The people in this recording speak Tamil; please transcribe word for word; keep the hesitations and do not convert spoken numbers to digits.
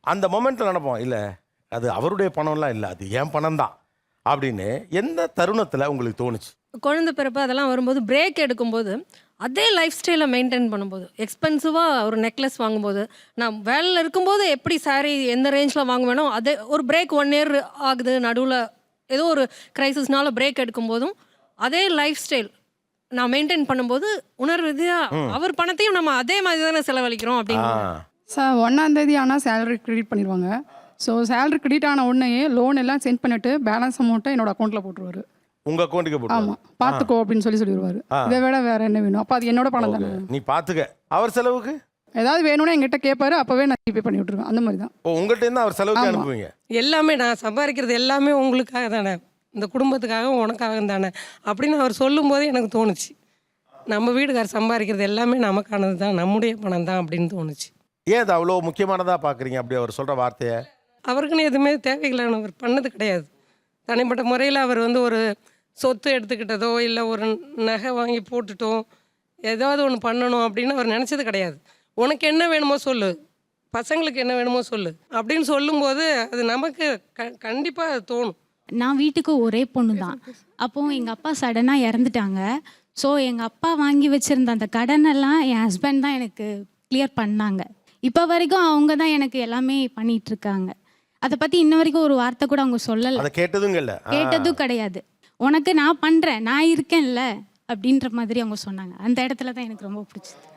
அந்த மொமெண்ட்டில் நினைப்போம், இல்லை அது அவருடைய பணம்லாம் இல்லை, அது என் பணம் தான் அப்படின்னு எந்த தருணத்தில் உங்களுக்கு தோணுச்சு? குழந்தை பிறப்பு அதெல்லாம் வரும்போது பிரேக் எடுக்கும்போது அதே லைஃப் ஸ்டைலை மெயின்டைன் பண்ணும்போது, எக்ஸ்பென்சிவாக ஒரு நெக்லஸ் வாங்கும்போது, நான் வேலையில் இருக்கும்போது எப்படி saree எந்த ரேஞ்சில் வாங்குவேனோ அதே ஒரு பிரேக் ஒன் இயர் ஆகுது, நடுவில் ஏதோ ஒரு கிரைசிஸ்னால பிரேக் எடுக்கும்போதும் அதே லைஃப் ஸ்டைல் நான் மெயின்டைன் பண்ணும்போது உணர்வு ரீதியாக அவர் பணத்தையும் நம்ம அதே மாதிரி தானே செலவழிக்கிறோம் அப்படின்னு. சார் ஒன்றாந்தேதி ஆனால் சேலரி கிரெடிட் பண்ணிடுவாங்க. ஸோ சேலரி கிரெடிட் ஆன உடனே லோன் எல்லாம் சென்ட் பண்ணிவிட்டு பேலன்ஸ் அமௌண்ட்டை என்னோட அக்கௌண்ட்டில் போட்டுருவாரு. உங்க அக்கௌண்ட்டுக்கு போட்டு? ஆமாம், பார்த்துக்கோ அப்படின்னு சொல்லி சொல்லிடுவாரு. இதை விட வேற என்ன வேணும்? அப்போ அது என்னோட பணம் தானே. நீ பார்த்துக்க. அவர் செலவுக்கு ஏதாவது வேணும்னா எங்கிட்ட கேட்பாரு, அப்போவே நான் ஜிபே பண்ணி விட்டுருவேன். அந்த மாதிரி தான். ஓ, உங்கள்கிட்ட இருந்து அவர் செலவுக்கு அனுப்புவீங்க? எல்லாமே நான் சம்பாதிக்கிறது எல்லாமே உங்களுக்காக தானே, இந்த குடும்பத்துக்காக உனக்காக தானே அப்படின்னு அவர் சொல்லும்போது எனக்கு தோணுச்சு, நம்ம வீட்டுக்காரர் சம்பாதிக்கிறது எல்லாமே நமக்கானது தான், நம்முடைய பணம் தான் அப்படின்னு தோணுச்சு. ஏன் அது அவ்வளோ முக்கியமானதாக பார்க்குறீங்க அப்படி அவர் சொல்கிற வார்த்தையை? அவருக்குன்னு எதுவுமே தேவையில்லைன்னு அவர் பண்ணது கிடையாது. தனிப்பட்ட முறையில் அவர் வந்து ஒரு சொத்து எடுத்துக்கிட்டதோ இல்லை ஒரு நகை வாங்கி போட்டுட்டோ ஏதாவது ஒன்று பண்ணணும் அப்படின்னு அவர் நினச்சது கிடையாது. உனக்கு என்ன வேணுமோ சொல்லு, பசங்களுக்கு என்ன வேணுமோ சொல்லு அப்படின்னு சொல்லும்போது அது நமக்கு க கண்டிப்பாக அது தோணும். நான் வீட்டுக்கு ஒரே பொண்ணு தான். அப்போது எங்கள் அப்பா சடனாக இறந்துட்டாங்க. ஸோ எங்கள் அப்பா வாங்கி வச்சுருந்த அந்த கடனெல்லாம் என் ஹஸ்பண்ட் தான் எனக்கு கிளியர் பண்ணாங்க. இப்போ வரைக்கும் அவங்க தான் எனக்கு எல்லாமே பண்ணிகிட்ருக்காங்க. அதை பற்றி இன்ன வரைக்கும் ஒரு வார்த்தை கூட அவங்க சொல்லலை, கேட்டதும் இல்லை, கேட்டதும் கிடையாது. உனக்கு நான் பண்ணுறேன், நான் இருக்கேன்ல அப்படின்ற மாதிரி அவங்க சொன்னாங்க. அந்த இடத்துல தான் எனக்கு ரொம்ப பிடிச்சது.